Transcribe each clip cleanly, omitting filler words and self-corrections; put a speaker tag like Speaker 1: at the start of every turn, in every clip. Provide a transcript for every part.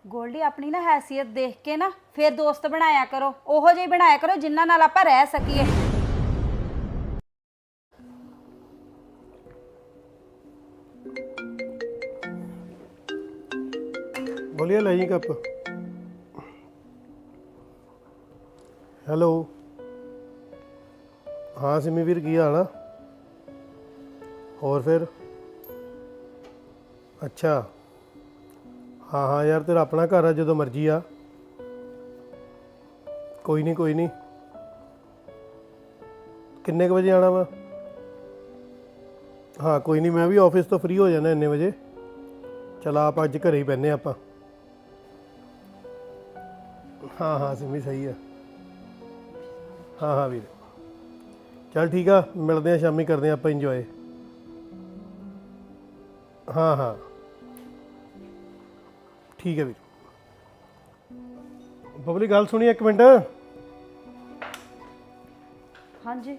Speaker 1: ਗੋਲਡੀ ਆਪਣੀ ਨਾ ਹੈਸੀਅਤ ਦੇਖ ਕੇ ਨਾ ਫਿਰ ਦੋਸਤ ਬਣਾਇਆ ਕਰੋ, ਉਹੋ ਜਿਹੇ ਬਣਾਇਆ ਕਰੋ ਜਿਨ੍ਹਾਂ ਨਾਲ ਆਪਾਂ ਰਹਿ ਸਕੀਏ।
Speaker 2: बोलिए ले जी कप। हेलो हाँ सिमी वीर की हाल आ? और फिर अच्छा हाँ हाँ यार तेरा अपना घर है, जो मर्जी आ, कोई नहीं किन्ने क बजे आना वा? हाँ कोई नहीं, मैं भी ऑफिस तो फ्री हो जाना इन्ने बजे। चल आप अज घर ही बहने आप। हाँ हाँ सिमी सही है। हाँ हाँ वीर चल ठीक है, मिलते हैं शामी, करते हैं आप इंजॉय। हाँ हाँ ठीक है वीर। बबली गल सुनी एक मिनट।
Speaker 1: हाँ जी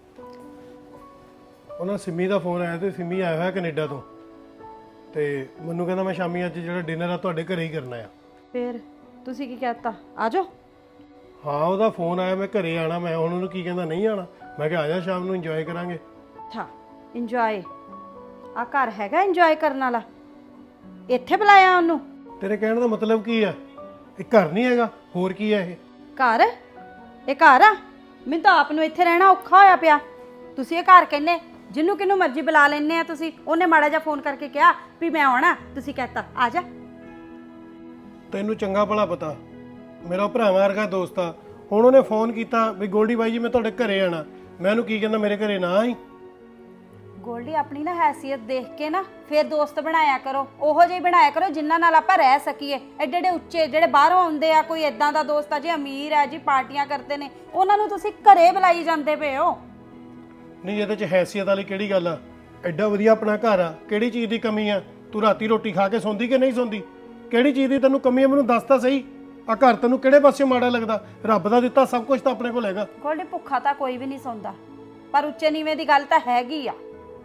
Speaker 2: उन्होंने सिमी का फोन आया तो सिमी आया है कनेडा तो मैनू कहना मैं शामी अज जो डिनर आ तुहाडे घरे ही करना है।
Speaker 1: फिर ਤੁਸੀਂ ਕੀ कहता आ जाओ?
Speaker 2: हाँ ਉਹਦਾ फोन आया मैं घरे आना, मैं ਹੁਣ ਉਹਨੂੰ ਕੀ ਕਹਿੰਦਾ नहीं आना, मैं कहा आ जा शाम ਨੂੰ ਇੰਜੋਏ ਕਰਾਂਗੇ।
Speaker 1: ਅੱਛਾ ਇੰਜੋਏ ਆ ਘਰ ਹੈਗਾ ਇੰਜੋਏ ਕਰਨ ਵਾਲਾ? ਇੱਥੇ ਬੁਲਾਇਆ ਉਹਨੂੰ?
Speaker 2: ਤੇਰੇ ਕਹਿਣ ਦਾ ਮਤਲਬ ਕੀ ਆ? ਇਹ ਘਰ ਨਹੀਂ ਹੈਗਾ, ਹੋਰ ਕੀ ਹੈ ਇਹ?
Speaker 1: ਘਰ? ਇਹ ਘਰ ਆ? ਮੈਨੂੰ ਤਾਂ ਆਪ ਨੂੰ ਇੱਥੇ ਰਹਿਣਾ ਔਖਾ ਹੋਇਆ ਪਿਆ। ਤੁਸੀਂ ਇਹ ਘਰ ਕਹਿੰਦੇ, ਜਿਹਨੂੰ ਕਿਹਨੂੰ ਮਰਜ਼ੀ ਬੁਲਾ ਲੈਂਦੇ ਆ ਤੁਸੀਂ। ਉਹਨੇ ਮਾੜਾ ਜਿਹਾ ਫੋਨ ਕਰਕੇ ਕਿਹਾ ਵੀ ਮੈਂ ਆਉਣਾ, ਤੁਸੀਂ ਕਹਿਤਾ ਆ ਜਾ।
Speaker 2: ਤੈਨੂੰ ਚੰਗਾ ਭਲਾ ਪਤਾ ਮੇਰਾ ਭਰਾਵਾਂ ਵਰਗਾ ਦੋਸਤ ਆ। ਹੁਣ ਉਹਨੇ ਫੋਨ ਕੀਤਾ ਵੀ ਗੋਲਡੀ ਬਾਈ ਜੀ ਮੈਂ ਤੁਹਾਡੇ ਘਰੇ ਆਣਾ, ਮੈਂ ਉਹਨੂੰ ਕੀ ਕਹਿੰਦਾ ਮੇਰੇ ਘਰੇ ਨਾ ਆਈ।
Speaker 1: ਗੋਲਡੀ ਆਪਣੀ ਨਾ ਹੈਸੀਅਤ ਦੇਖ ਕੇ ਨਾ ਫਿਰ ਦੋਸਤ ਬਣਾਇਆ ਕਰੋ, ਉਹੋ ਜਿਹੇ ਬਣਾਇਆ ਕਰੋ ਜਿਨ੍ਹਾਂ ਨਾਲ ਆਪਾਂ ਰਹਿ ਸਕੀਏ। ਐਡੇ ਐਡੇ ਉੱਚੇ ਜਿਹੜੇ ਬਾਹਰੋਂ ਆਉਂਦੇ ਆ, ਕੋਈ ਇਦਾਂ ਦਾ ਦੋਸਤ ਆ ਜੀ ਅਮੀਰ ਆ ਜੀ ਪਾਰਟੀਆਂ ਕਰਦੇ ਨੇ, ਉਹਨਾਂ ਨੂੰ ਤੁਸੀਂ ਘਰੇ ਬੁਲਾਈ ਜਾਂਦੇ ਪਏ ਹੋ।
Speaker 2: ਨਹੀਂ ਇਹਦੇ 'ਚ ਹੈਸੀਅਤ ਵਾਲੀ ਕਿਹੜੀ ਗੱਲ ਆ? ਐਡਾ ਵਧੀਆ ਆਪਣਾ ਘਰ ਆ, ਕਿਹੜੀ ਚੀਜ਼ ਦੀ ਕਮੀ ਆ? ਤੂੰ ਰਾਤੀ ਰੋਟੀ ਖਾ ਕੇ ਸੌਂਦੀ ਕਿ ਨਹੀਂ ਸੌਂਦੀ? ਕਿਹੜੀ ਚੀਜ਼ ਦੀ ਤੈਨੂੰ ਕਮੀ ਆ ਮੈਨੂੰ ਦੱਸ ਤਾਂ ਸਹੀ। ਆ ਘਰ ਤੈਨੂੰ ਕਿਹੜੇ ਪਾਸੇ ਮਾੜਾ ਲੱਗਦਾ? ਰੱਬ ਦਾ ਦਿੱਤਾ ਸਭ ਕੁਝ ਤਾਂ ਆਪਣੇ ਕੋਲ ਹੈਗਾ।
Speaker 1: ਗੋਲਡੀ ਭੁੱਖਾ ਤਾਂ ਕੋਈ ਵੀ ਨਹੀਂ ਸੌਂਦਾ, ਪਰ ਉੱਚੇ ਨੀਵੇਂ ਦੀ ਗੱਲ ਤਾਂ ਹੈਗੀ ਆ।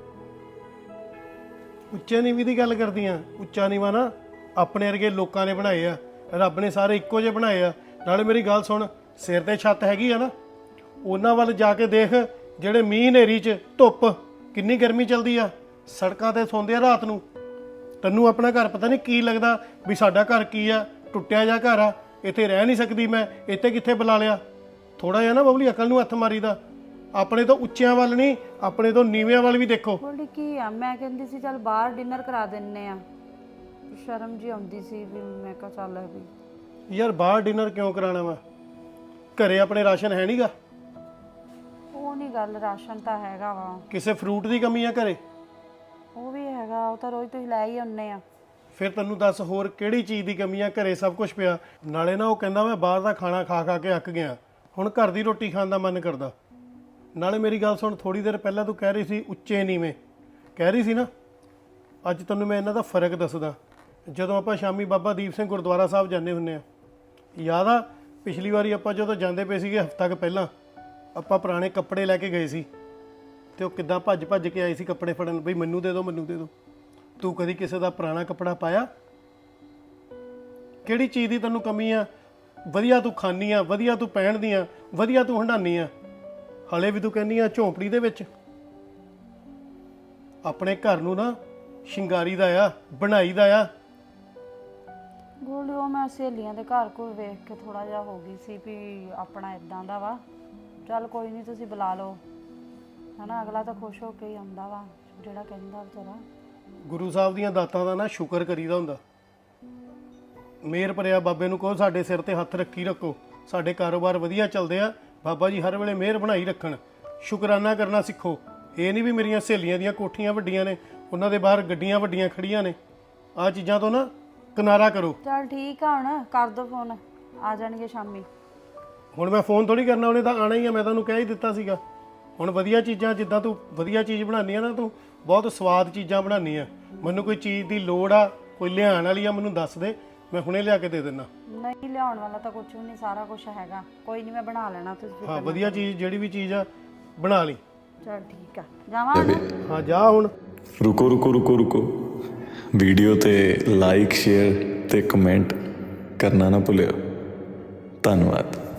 Speaker 2: ਉੱਚੇ ਨੀਵੀਂ ਦੀ ਗੱਲ ਕਰਦੀ ਆ? ਉੱਚਾ ਨੀਵਾਂ ਨਾ ਆਪਣੇ ਵਰਗੇ ਲੋਕਾਂ ਨੇ ਬਣਾਏ ਆ, ਰੱਬ ਨੇ ਸਾਰੇ ਇੱਕੋ ਜਿਹੇ ਬਣਾਏ ਆ। ਨਾਲੇ ਮੇਰੀ ਗੱਲ ਸੁਣ, ਸਿਰ ਤੇ ਛੱਤ ਹੈਗੀ ਆ ਨਾ, ਉਹਨਾਂ ਵੱਲ ਜਾ ਕੇ ਦੇਖ ਜਿਹੜੇ ਮੀਂਹ ਹਨੇਰੀ 'ਚ ਧੁੱਪ ਕਿੰਨੀ ਗਰਮੀ ਚੱਲਦੀ ਆ, ਸੜਕਾਂ ਤੇ ਸੌਂਦੇ ਆ ਰਾਤ ਨੂੰ। ਤੈਨੂੰ ਆਪਣਾ ਘਰ ਪਤਾ ਨਹੀਂ ਕੀ ਲੱਗਦਾ ਵੀ ਸਾਡਾ ਘਰ ਕੀ ਆ, ਟੁੱਟਿਆ ਜਿਹਾ ਘਰ ਆ, ਇੱਥੇ ਰਹਿ ਨਹੀਂ ਸਕਦੀ ਮੈਂ, ਇੱਥੇ ਕਿੱਥੇ ਬੁਲਾ ਲਿਆ। ਥੋੜਾ ਜਿਹਾ ਨਾ ਬਬਲੀ ਅਕਲ ਨੂੰ ਹੱਥ ਮਾਰੀਦਾ। ਆਪਣੇ ਤੋਂ ਉੱਚਿਆਂ ਵੱਲ ਨਹੀਂ, ਆਪਣੇ ਤੋਂ ਨੀਵਿਆਂ ਵੱਲ ਵੀ ਦੇਖੋ।
Speaker 1: ਗੋਲਡੀ ਕੀ ਆ, ਮੈਂ ਕਹਿੰਦੀ ਸੀ ਚੱਲ ਬਾਹਰ ਡਿਨਰ ਕਰਾ ਦਿੰਨੇ ਆ, ਸ਼ਰਮ ਜੀ ਆਉਂਦੀ ਸੀ ਵੀ ਮੈਂ ਕਿਹਾ ਚੱਲ ਵੀ।
Speaker 2: ਯਾਰ ਬਾਹਰ ਡਿਨਰ ਕਿਉਂ ਕਰਾਉਣਾ ਵਾ? ਘਰੇ ਆਪਣੇ ਰਾਸ਼ਨ ਹੈ ਨਹੀਂਗਾ?
Speaker 1: ਉਹ ਨਹੀਂ ਗੱਲ, ਰਾਸ਼ਨ ਤਾਂ ਹੈਗਾ ਵਾ।
Speaker 2: ਕਿਸੇ ਫਰੂਟ ਦੀ ਕਮੀ ਆ ਘਰੇ?
Speaker 1: ਉਹ ਵੀ ਹੈਗਾ, ਉਹ ਤਾਂ ਰੋਜ਼ ਤੁਸੀਂ ਲੈ ਹੀ ਆਉਂਦੇ ਆ।
Speaker 2: ਫਿਰ ਤੈਨੂੰ ਦੱਸ ਹੋਰ ਕਿਹੜੀ ਚੀਜ਼ ਦੀ ਕਮੀ ਆ? ਘਰੇ ਸਭ ਕੁਝ ਪਿਆ। ਨਾਲੇ ਨਾ ਉਹ ਕਹਿੰਦਾ ਮੈਂ ਬਾਹਰ ਦਾ ਖਾਣਾ ਖਾ ਖਾ ਕੇ ਅੱਕ ਗਿਆ, ਹੁਣ ਘਰ ਦੀ ਰੋਟੀ ਖਾਣ ਦਾ ਮਨ ਕਰਦਾ। ਨਾਲੇ ਮੇਰੀ ਗੱਲ ਸੁਣ, ਥੋੜੀ ਦੇਰ ਪਹਿਲਾਂ ਤੂੰ ਕਹਿ ਰਹੀ ਸੀ ਉੱਚੇ ਨੀਵੇਂ ਕਹਿ ਰਹੀ ਸੀ ਨਾ, ਅੱਜ ਤੈਨੂੰ ਮੈਂ ਇਹਨਾਂ ਦਾ ਫਰਕ ਦੱਸਦਾ। ਜਦੋਂ ਆਪਾਂ ਸ਼ਾਮੀ ਬਾਬਾ ਦੀਪ ਸਿੰਘ ਗੁਰਦੁਆਰਾ ਸਾਹਿਬ ਜਾਂਦੇ ਹੁੰਦੇ ਆ, ਯਾਦ ਆ ਪਿਛਲੀ ਵਾਰੀ ਆਪਾਂ ਜਦੋਂ ਜਾਂਦੇ ਪਏ ਸੀਗੇ ਹਫ਼ਤਾ ਕੁ ਪਹਿਲਾਂ, ਆਪਾਂ ਪੁਰਾਣੇ ਕੱਪੜੇ ਲੈ ਕੇ ਗਏ ਸੀ ਤੇ ਉਹ ਕਿੱਦਾਂ ਭੱਜ ਭੱਜ ਕੇ ਆਏ ਸੀ ਕੱਪੜੇ ਫੜਨ, ਬਈ ਮੈਨੂੰ ਦੇ ਦਿਓ ਮੈਨੂੰ ਦੇ ਦਿਓ। ਤੂੰ ਕਦੀ ਕਿਸੇ ਦਾ ਪੁਰਾਣਾ ਕੱਪੜਾ ਪਾਇਆ? ਕਿਹੜੀ ਚੀਜ਼ ਦੀ ਤੈਨੂੰ ਕਮੀ ਆ? ਵਧੀਆ ਤੂੰ ਖਾਂਦੀ ਆ, ਵਧੀਆ ਤੂੰ ਪਹਿਨਦੀ ਆ, ਵਧੀਆ ਤੂੰ ਹੰਡਾਨੀ ਆ, ਹਲੇ ਵੀ ਤੂੰ ਕਹਿੰਦੀ ਆ ਝੌਂਪੜੀ ਦੇ ਵਿੱਚ। ਆਪਣੇ ਘਰ ਨੂੰ ਨਾ ਸ਼ਿੰਗਾਰੀ ਦਾ ਆ, ਬਣਾਈ ਦਾ ਆ।
Speaker 1: ਗੋਲਡੀ ਉਹ ਮੈਂ ਸਹੇਲੀਆਂ ਦੇ ਘਰ ਕੋਲ ਵੇਖ ਕੇ ਥੋੜਾ ਜਿਹਾ ਹੋ ਗਈ ਸੀ ਵੀ ਆਪਣਾ ਇਦਾਂ ਦਾ ਵਾ। ਚੱਲ ਕੋਈ ਨਹੀਂ ਤੁਸੀਂ ਬੁਲਾ ਲਓ, ਹਨਾ, ਅਗਲਾ ਤਾਂ ਖੁਸ਼ ਹੋ ਕੇ ਹੀ ਆਉਂਦਾ ਵਾ ਜਿਹੜਾ ਕਹਿੰਦਾ ਵਿਚਾਰਾ।
Speaker 2: ਗੁਰੂ ਸਾਹਿਬ ਦੀਆਂ ਦਾਤਾਂ ਦਾ ਨਾ ਸ਼ੁਕਰ ਕਰੀਦਾ ਹੁੰਦਾ। ਮਿਹਰ ਭਰਿਆ ਬਾਬੇ ਨੂੰ ਕਹੋ ਸਾਡੇ ਸਿਰ ਤੇ ਹੱਥ ਰੱਖੀ ਰੱਖੋ, ਸਾਡੇ ਕਾਰੋਬਾਰ ਵਧੀਆ ਚੱਲਦੇ ਆ, ਬਾਬਾ ਜੀ ਹਰ ਵੇਲੇ ਮਿਹਰ ਬਣਾਈ ਰੱਖਣ। ਸ਼ੁਕਰਾਨਾ ਕਰਨਾ ਸਿੱਖੋ। ਇਹ ਨਹੀਂ ਵੀ ਮੇਰੀਆਂ ਸਹੇਲੀਆਂ ਦੀਆਂ ਕੋਠੀਆਂ ਵੱਡੀਆਂ ਨੇ, ਉਹਨਾਂ ਦੇ ਬਾਹਰ ਗੱਡੀਆਂ ਵੱਡੀਆਂ ਖੜੀਆਂ ਨੇ, ਆਹ ਚੀਜ਼ਾਂ ਤੋਂ ਨਾ ਕਿਨਾਰਾ ਕਰੋ।
Speaker 1: ਚੱਲ ਠੀਕ ਆ, ਹੁਣ ਕਰ ਦੋ ਫੋਨ, ਆ ਜਾਣਗੇ ਸ਼ਾਮੀ।
Speaker 2: ਹੁਣ ਮੈਂ ਫੋਨ ਥੋੜੀ ਕਰਨਾ, ਉਹਨੇ ਤਾਂ ਆਣਾ ਹੀ ਆ, ਮੈਂ ਤੁਹਾਨੂੰ ਕਹਿ ਹੀ ਦਿੱਤਾ ਸੀਗਾ। ਹੁਣ ਵਧੀਆ ਚੀਜ਼ਾਂ, ਜਿੱਦਾਂ ਤੂੰ ਵਧੀਆ ਚੀਜ਼ ਬਣਾਉਂਦੀ ਆ ਨਾ, ਤੂੰ ਬਹੁਤ ਸਵਾਦ ਚੀਜ਼ਾਂ ਬਣਾਉਂਦੀ ਆ। ਮੈਨੂੰ ਕੋਈ ਚੀਜ਼ ਦੀ ਲੋੜ ਆ, ਕੋਈ ਲਿਆਉਣ ਵਾਲੀ ਆ, ਮੈਨੂੰ ਦੱਸ ਦੇ, ਮੈਂ ਹੁਣੇ ਲਿਆ ਕੇ ਦੇ ਦਿੰਦਾ।
Speaker 1: ਨਹੀਂ ਲਿਆਉਣ ਵਾਲਾ ਤਾਂ ਕੁਝ ਵੀ ਨਹੀਂ, ਸਾਰਾ ਕੁਝ ਹੈਗਾ, ਕੋਈ ਨਹੀਂ ਮੈਂ ਬਣਾ ਲੈਣਾ। ਤੁਸੀਂ
Speaker 2: ਹਾਂ ਵਧੀਆ ਚੀਜ਼ ਜਿਹੜੀ ਵੀ ਚੀਜ਼ ਆ ਬਣਾ ਲਈ।
Speaker 1: ਚੱਲ ਠੀਕ ਆ, ਜਾਵਾਂ ਹੁਣ?
Speaker 2: ਹਾਂ ਜਾ ਹੁਣ।
Speaker 3: ਰੁਕੋ ਰੁਕੋ ਰੁਕੋ ਰੁਕੋ, ਵੀਡੀਓ ਤੇ ਲਾਈਕ ਸ਼ੇਅਰ ਤੇ ਕਮੈਂਟ ਕਰਨਾ ਨਾ ਭੁੱਲਿਓ। ਧੰਨਵਾਦ।